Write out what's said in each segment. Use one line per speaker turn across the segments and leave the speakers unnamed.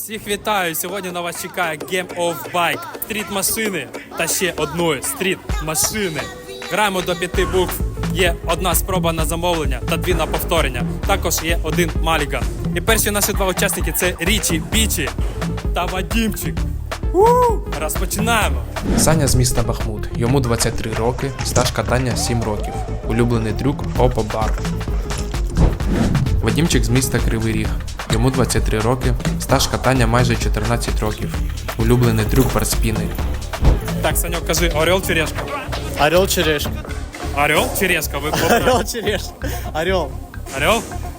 Всіх вітаю! Сьогодні на вас чекає Game of Bike. Стріт-машини та ще одної стріт-машини. Граємо до 5 букв. Є одна спроба на замовлення та 2 на повторення. Також є 1 маліган. І перші наші 2 учасники – це Річі Бічі та Вадімчик. Розпочинаємо!
Саня з міста Бахмут. Йому 23 роки, стаж катання 7 років. Улюблений трюк – опа-бар. Вадімчик з міста Кривий Ріг. Йому 23 роки, стаж катання майже 14 років. Улюблений трюк – барспіни.
Так, Саньок, кажи, орел чи решка?
Орел черешка.
Орел чи решка? Ви
Орел черешка. Орел.
Орел?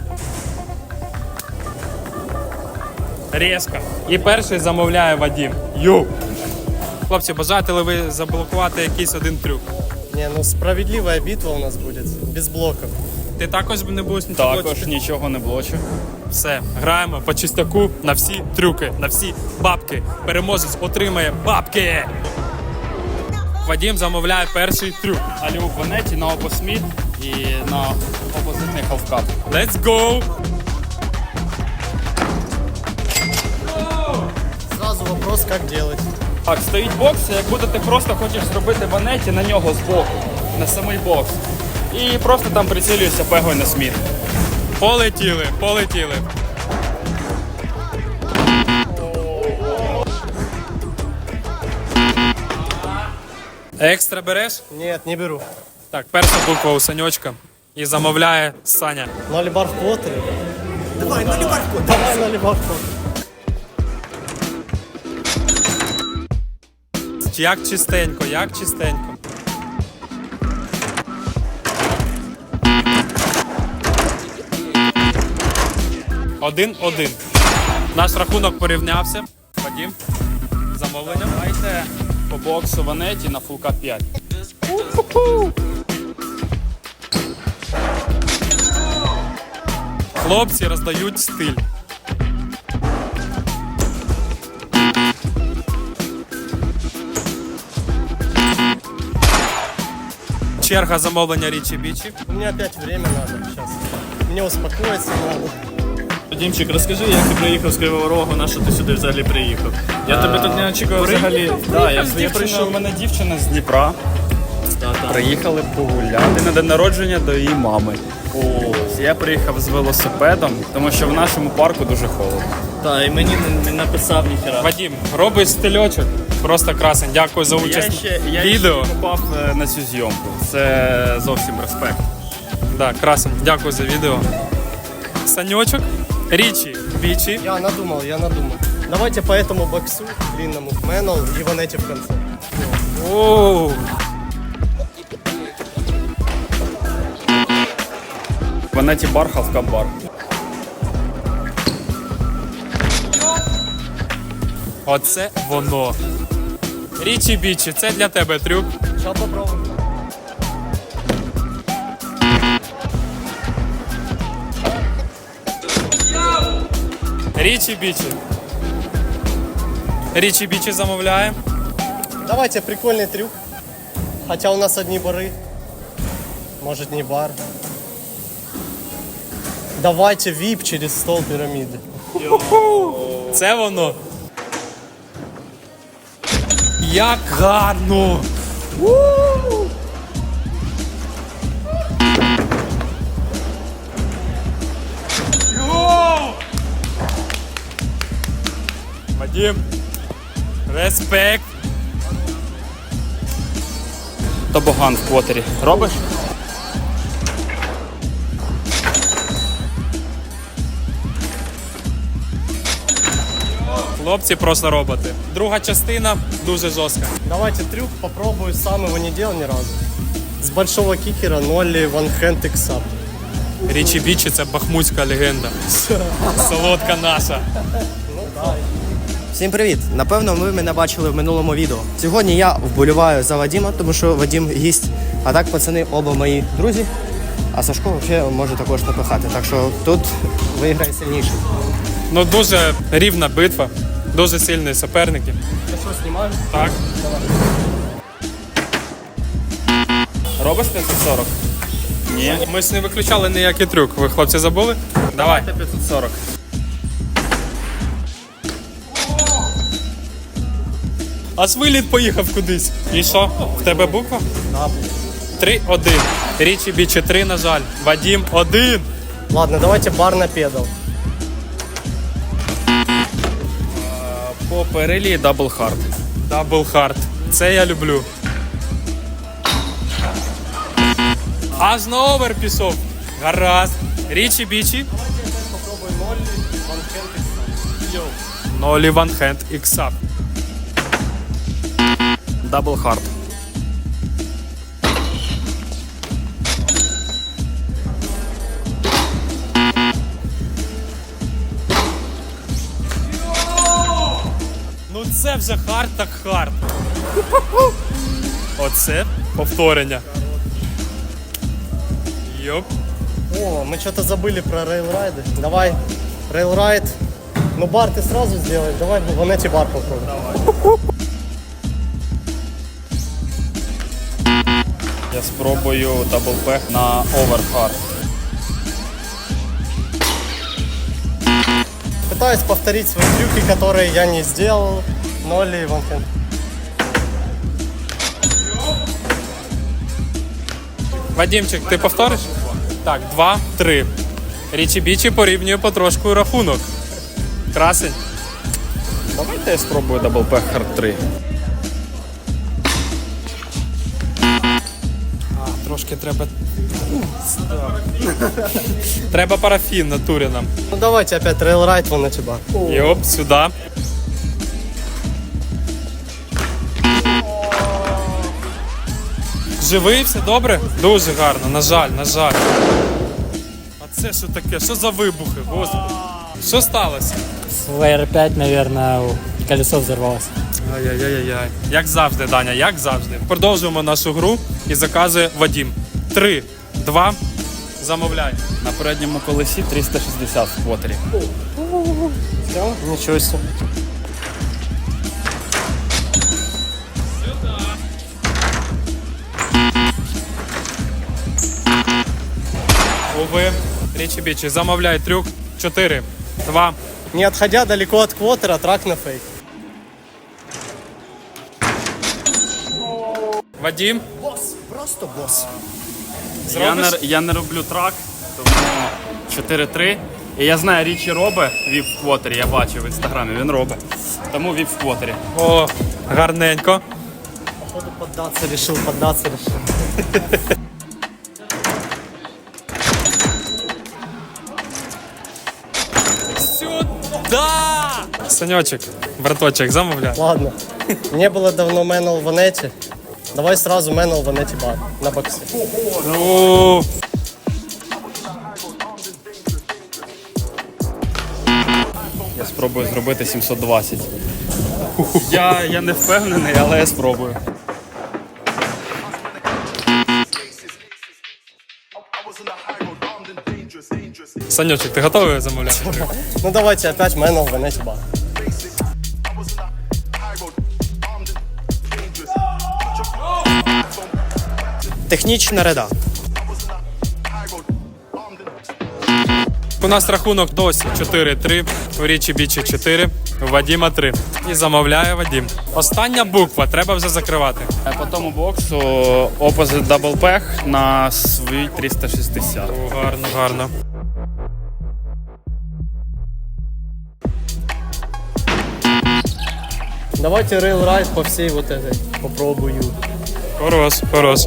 Резко. І перший замовляє Вадим. Хлопці, бажаєте ли ви заблокувати якийсь один трюк?
Не, ну справедливая битва у нас будет. Без блоков.
Ти також не будеш нічого
Також
блочити?
нічого не блочу.
Все, граємо по чистяку на всі трюки, на всі бабки. Переможець отримає бабки. Вадим замовляє перший трюк.
Аліуп в Ванеті на опосміт і на опозитний халфкап.
Let's go!
Сразу вопрос, как делать.
Так, стоїть бокс, як ти просто хочеш зробити ванеті на нього збоку, на самий бокс. І просто там прицілюєшся пегою на сміт.
Полетіли, полетіли. Екстра береш?
Нет, не беру.
Так, перша буква у Саньочка. І замовляє Саня.
Нолибар в квотере. Давай, нолибар в квотере. Давай, нолибар в квотере.
Як чистенько, як чистенько. Один. Наш рахунок порівнявся. Вадим, замовлення.
Давайте по боксу ванеті на фулкап 5.
Хлопці роздають стиль. Черга замовлення Річі Бічі.
У меня опять время надо сейчас. Мне успокоиться надо.
Дімчик, розкажи, як ти приїхав з Кривого Рогу, на що ти сюди взагалі приїхав? Я тебе тут не очікував взагалі. Да, я прийшов.
У мене дівчина з Дніпра. Приїхали погуляти на день народження до її мами. Я приїхав з велосипедом, тому що в нашому парку дуже холодно.
Та, і мені не написав ніхера.
Вадим, робиш стильочок. Просто красень. Дякую за участь
Я
в відео.
ще попав на цю зйомку. Це зовсім респект.
Да, красень. Дякую за відео. Саньочок, Річі Бічі.
Я надумал. Давайте по этому боксу длинному Мэннел и Ванетти в конце.
Оу.
В Ванеті бар, халфкап бар.
Оце воно. Річі Бічі, це для тебе трюк.
Сейчас попробуем.
Річі Бічі. Річі Бічі замовляє.
Давайте прикольный трюк. Хотя у нас одни бары. Может, не бар. Давайте вип через стол пирамиды.
Це воно. Як гарно! Вадим, респект.
Тобоган в квотері. Робиш?
Хлопці просто роботи. Друга частина дуже жорстка.
Давайте трюк попробую, сам его не делал ни разу. С большого кикера нолли ванхенд иксап.
Річі Бічі – це бахмутська легенда. Солодка наша.
Всім привіт! Напевно, ви мене бачили в минулому відео. Сьогодні я вболіваю за Вадима, тому що Вадим гість. А так, пацани, оба мої друзі. А Сашко взагалі може також напихати. Так що тут виграє сильніший.
Ну дуже рівна битва, дуже сильні суперники.
Я что, снимаю?
Так.
Робиш 540? Ні.
Ми ж не виключали ніякий трюк. Ви, хлопці, забули? Давай.
540.
Аж виліт поїхав кудись. І що? В тебе буква?
Да.
3-1. Річі Бічі 3, на жаль. Вадім 1.
Ладно, давайте бар на педал.
По перелі дабл хард.
Дабл хард. Це я люблю. Аж на овер пішов. Гаразд. Річі Бічі. Нолі ван хенд іксап.
Дабл хард.
Ну це вже хард так хард. Оце повторення. Йоп.
О, мы что-то забыли про рейлрайды. Давай, рейлрайд. Ну бар ты сразу сделай. Давай в Ванете бар попробуем.
Я спробую дабл пех на овер хард.
Пытаюсь повторить свои трюки, которые я не сделал. Нолли ванхенд.
Вадімчик, ти повториш? Так, 2-3. Річі Бічі порівнює потрошку рахунок. Красень.
Давайте я спробую дабл пех хард 3.
Трошки треба. Треба парафін натурі нам.
Ну давайте опять рейлрайд в Ванете бар.
Йоп, сюди. Живий, все добре? Дуже гарно, на жаль, на жаль. А це що таке? Що за вибухи, господи? Що сталося?
В R5, наверное, колесо взорвалось.
Ай-яй-яй-яй. Як завжди, Даня, як завжди. Продовжуємо нашу гру і заказує Вадім. 3, 2, замовляй.
На передньому колесі 360 в квотері.
Все, ничего себе.
Уви, Річі Бічі, замовляй трюк. 4, 2,
Не отходя далеко от квотера, трак на фейк.
Вадім.
Просто босс.
Зробиш?
Я не роблю трак, тому 4-3. І я знаю, Річі робить віп в квотері, я бачив в інстаграмі, він робить. Тому віп в квотері.
О, гарненько.
Походу поддаться решил.
Сюда! Санечек, браточек, замовляй.
Ладно. Не было давно Мэнл в Ванете. Давай сразу Мэнл в Ванете бар на боксе.
Ну,
Я спробую зробити 720. Я не впевнений, але я спробую.
Санечек, ти готовий замовляти?
Ну давайте опять Мэнл в Ванете бар.
Технічна реда.
У нас рахунок досі 4-3, у Річі Бічі 4, у Вадіма 3. І замовляє Вадім. Остання буква, треба вже закривати.
По тому боксу опозит дабл пех на свій 360.
О, гарно, гарно.
Давайте рейлрайд по всей вот этой попробую.
Хорош, хорош.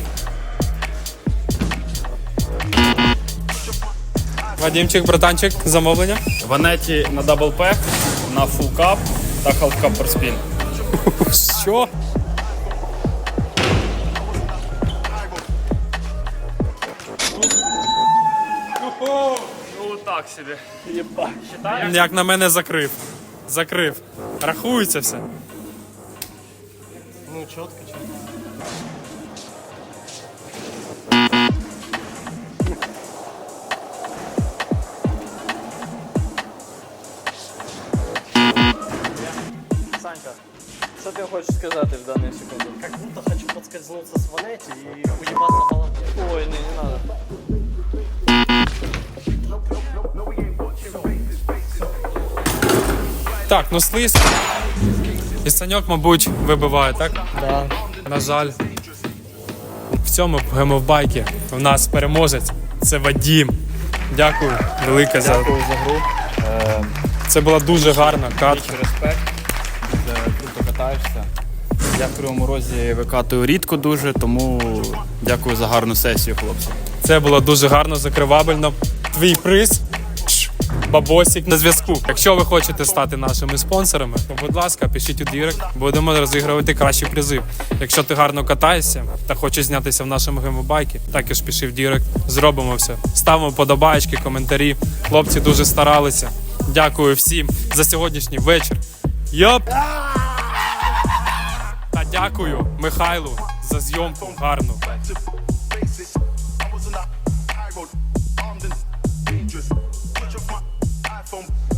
Вадімчик, братанчик, замовлення.
В Анеті на дабл пех, на фул кап та халф кап перспін.
Що?
Ну так собі.
Як на мене закрив. Закрив. Рахується все.
Ну, четко.
Санька, що ти хочеш сказати в дану секунду?
Как будто хочу подскользнуться с Ванете и уебаться головой.
Ой, не надо.
Так, ну слизь. І Саньок, мабуть, вибиває, так?
Да.
На жаль. В цьому гемовбайкі у нас переможець. Це Вадім. Дякую велике за.
Дякую за гру.
Це була дуже гарна катка.
Респект. Круто катаєшся. Я в Кривому Розі викатую рідко дуже, тому дякую за гарну сесію, хлопці.
Це було дуже гарно, закривабельно. Твій приз. Бабосик на зв'язку. Якщо ви хочете стати нашими спонсорами, то, будь ласка, пишіть у дірект, будемо розігрувати кращі призи. Якщо ти гарно катаєшся та хочеш знятися в нашому гемобайкі, також пиши в дірект, зробимо все. Ставимо подобаєчки, коментарі. Хлопці дуже старалися. Дякую всім за сьогоднішній вечір. Йоп! Та дякую Михайлу за зйомку гарну.
I was on that high road, armed and dangerous. Switch off my iPhone.